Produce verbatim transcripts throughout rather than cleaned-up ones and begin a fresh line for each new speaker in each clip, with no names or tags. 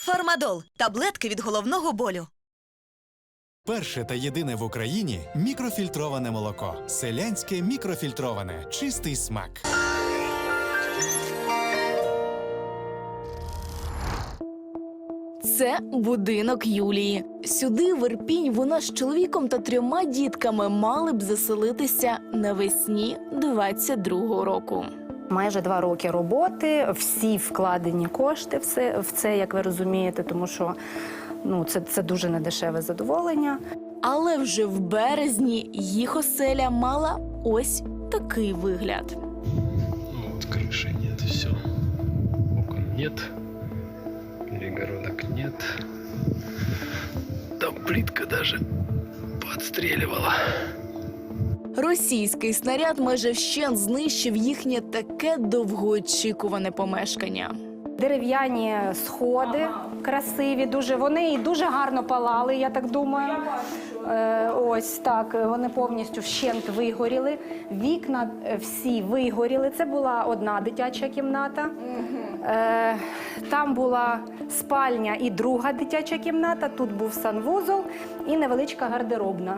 Фармадол – таблетки від головного болю.
Перше та єдине в Україні мікрофільтроване молоко. Селянське мікрофільтроване. Чистий смак.
Це будинок Юлії. Сюди, в Ірпінь, вона з чоловіком та трьома дітками мали б заселитися навесні двадцять другого року.
Майже два роки роботи, всі вкладені кошти все, в це, як ви розумієте, тому що ну, це, це дуже недешеве задоволення.
Але вже в березні їх оселя мала ось такий вигляд.
Ну, вот крыши нет, все. Окон нет. Перегородок нет. Там плитка даже подстреливала.
Російський снаряд майже вщент знищив їхнє таке довгоочікуване помешкання.
Дерев'яні сходи красиві, дуже вони і дуже гарно палали, я так думаю. Е, ось так, вони повністю вщент вигоріли. Вікна всі вигоріли. Це була одна дитяча кімната. Е, там була спальня і друга дитяча кімната. Тут був санвузол і невеличка гардеробна.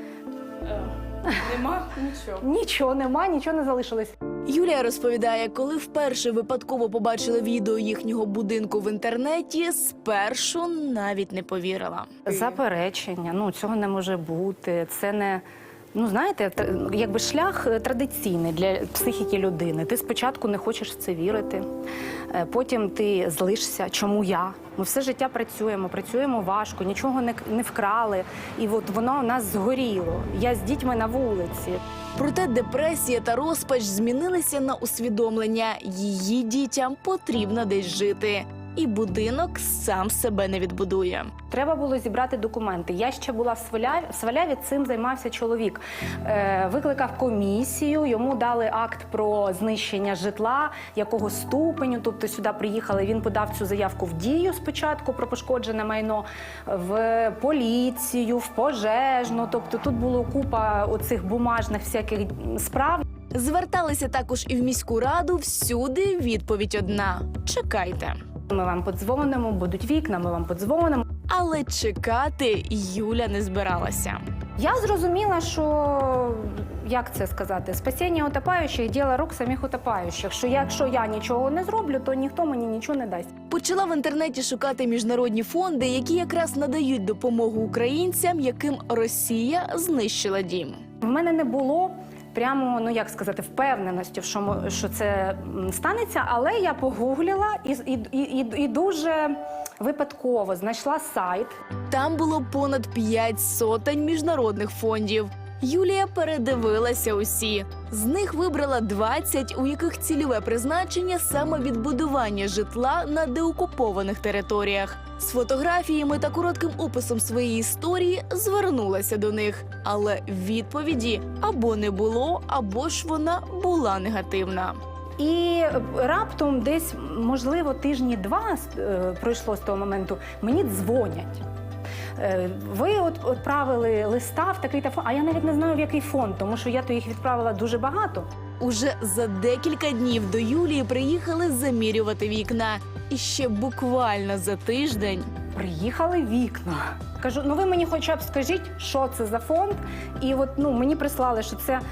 Нема нічого.
Нічого нема, нічого не залишилось.
Юлія розповідає, коли вперше випадково побачила відео їхнього будинку в інтернеті, спершу навіть не повірила.
Заперечення, ну цього не може бути, це не, ну знаєте, тр- якби шлях традиційний для психіки людини. Ти спочатку не хочеш в це вірити, е, потім ти злишся, чому я? Ми все життя працюємо, працюємо важко, нічого не, не вкрали, і от воно у нас згоріло. Я з дітьми на вулиці.
Проте депресія та розпач змінилися на усвідомлення. Її дітям потрібно десь жити. І будинок сам себе не відбудує.
Треба було зібрати документи. Я ще була в Сваляві, в Сваляві цим займався чоловік. Е, викликав комісію, йому дали акт про знищення житла, якого ступеню, тобто сюди приїхали, він подав цю заявку в дію спочатку про пошкоджене майно, в поліцію, в пожежну, тобто тут було купа оцих бумажних всяких справ.
Зверталися також і в міську раду, всюди відповідь одна – чекайте.
Ми вам подзвонимо, будуть вікна, ми вам подзвонимо.
Але чекати Юля не збиралася.
Я зрозуміла, що, як це сказати, спасіння утопаючих – діло рук самих утопаючих. Що якщо я нічого не зроблю, то ніхто мені нічого не дасть.
Почала в інтернеті шукати міжнародні фонди, які якраз надають допомогу українцям, яким Росія знищила дім.
В мене не було прямо, ну як сказати, впевненості, що, мо- що це м, станеться, але я погуглила і, і, і, і дуже випадково знайшла сайт.
Там було понад п'ять сотень міжнародних фондів. Юлія передивилася усі. З них вибрала двадцять, у яких цільове призначення саме відбудування житла на деокупованих територіях. З фотографіями та коротким описом своєї історії звернулася до них. Але відповіді або не було, або ж вона була негативна.
І раптом десь, можливо, тижні два е, пройшло з того моменту, мені дзвонять. Е, Ви от відправили листа в такий-то фонд, а я навіть не знаю, в який фонд, тому що я то їх відправила дуже багато.
Уже за декілька днів до Юлії приїхали замірювати вікна. І ще буквально за тиждень
Приїхали вікна. Кажу, ну ви мені хоча б скажіть, що це за фонд. І от ну, мені прислали, що це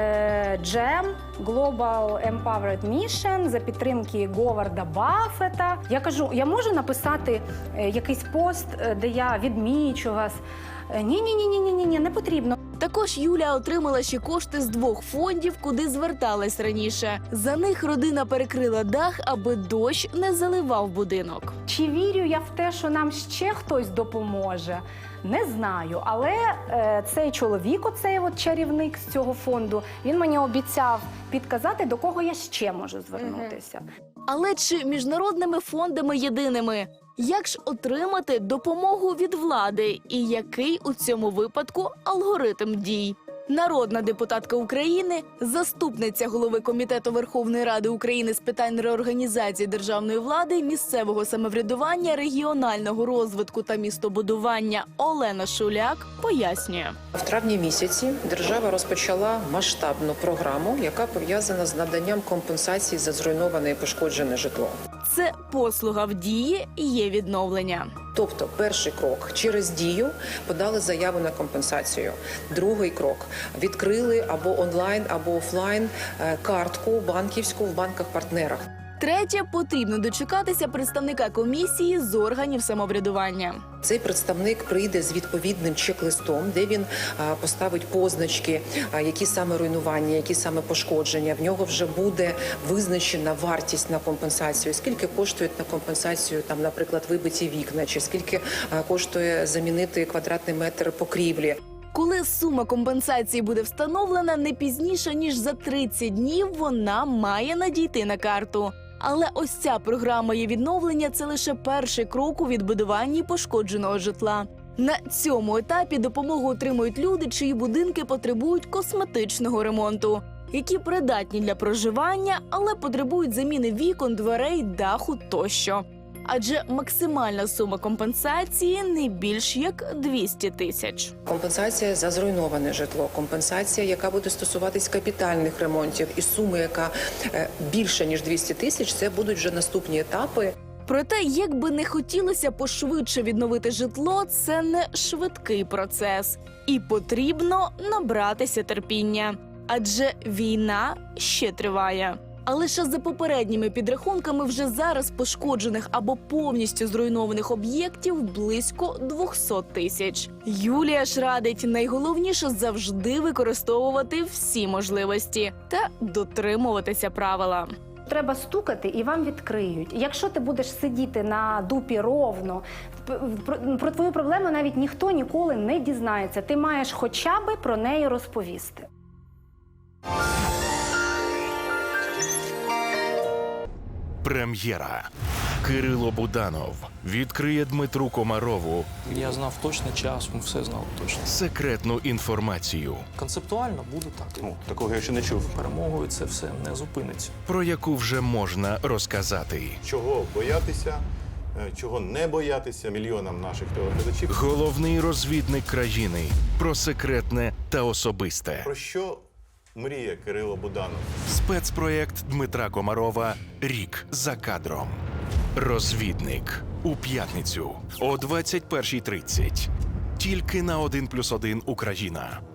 е, джем, Global Empowered Mission за підтримки Говарда Баффета. Я кажу, я можу написати е, якийсь пост, е, де я відмічу вас? Е, Ні-ні-ні-ні-ні, не потрібно.
також Юля отримала ще кошти з двох фондів, куди зверталась раніше. За них родина перекрила дах, аби дощ не заливав будинок.
Чи вірю я в те, що нам ще хтось допоможе? Не знаю, але е, цей чоловік, оцей от чарівник з цього фонду, він мені обіцяв підказати, до кого я ще можу звернутися.
Але чи міжнародними фондами єдиними? Як ж отримати допомогу від влади? І який у цьому випадку алгоритм дій? Народна депутатка України, заступниця голови Комітету Верховної Ради України з питань реорганізації державної влади, місцевого самоврядування, регіонального розвитку та містобудування Олена Шуляк пояснює.
В травні місяці держава розпочала масштабну програму, яка пов'язана з наданням компенсації за зруйноване і пошкоджене житло.
Це послуга в дії є відновлення.
Тобто, перший крок через дію подали заяву на компенсацію. Другий крок відкрили або онлайн, або офлайн е, картку банківську в банках-партнерах.
Третє, потрібно дочекатися представника комісії з органів самоврядування.
Цей представник прийде з відповідним чек-листом, де він а, поставить позначки, а, які саме руйнування, які саме пошкодження. В нього вже буде визначена вартість на компенсацію, скільки коштує на компенсацію, там, наприклад, вибиті вікна, чи скільки а, коштує замінити квадратний метр покрівлі.
Коли сума компенсації буде встановлена не пізніше, ніж за тридцять днів, вона має надійти на карту. Але ось ця програма є відновлення – це лише перший крок у відбудуванні пошкодженого житла. На цьому етапі допомогу отримують люди, чиї будинки потребують косметичного ремонту, які придатні для проживання, але потребують заміни вікон, дверей, даху тощо. Адже максимальна сума компенсації не більш як двісті тисяч.
Компенсація за зруйноване житло, компенсація, яка буде стосуватись капітальних ремонтів, і сума, яка е, більше ніж двісті тисяч, це будуть вже наступні етапи.
Проте, як би не хотілося пошвидше відновити житло, це не швидкий процес. І потрібно набратися терпіння. Адже війна ще триває. А лише за попередніми підрахунками вже зараз пошкоджених або повністю зруйнованих об'єктів близько двісті тисяч. Юлія ж радить найголовніше завжди використовувати всі можливості та дотримуватися правила.
Треба стукати і вам відкриють. Якщо ти будеш сидіти на дупі ровно, про, про твою проблему навіть ніхто ніколи не дізнається. Ти маєш хоча б про неї розповісти.
Прем'єра. Кирило Буданов відкриє Дмитру Комарову
Я знав точно час, ми все знали точно.
секретну інформацію,
Концептуально буде так.
Ну, такого я ще не чув.
Перемогою це все не зупиниться.
про яку вже можна розказати.
Чого боятися, е, чого не боятися мільйонам наших телеглядачів.
Головний розвідник країни про секретне та особисте.
Про що мріє Кирило Буданов?
Спецпроєкт Дмитра Комарова «Рік за кадром». Розвідник. У п'ятницю о двадцять першій тридцять. Тільки на один плюс один Україна.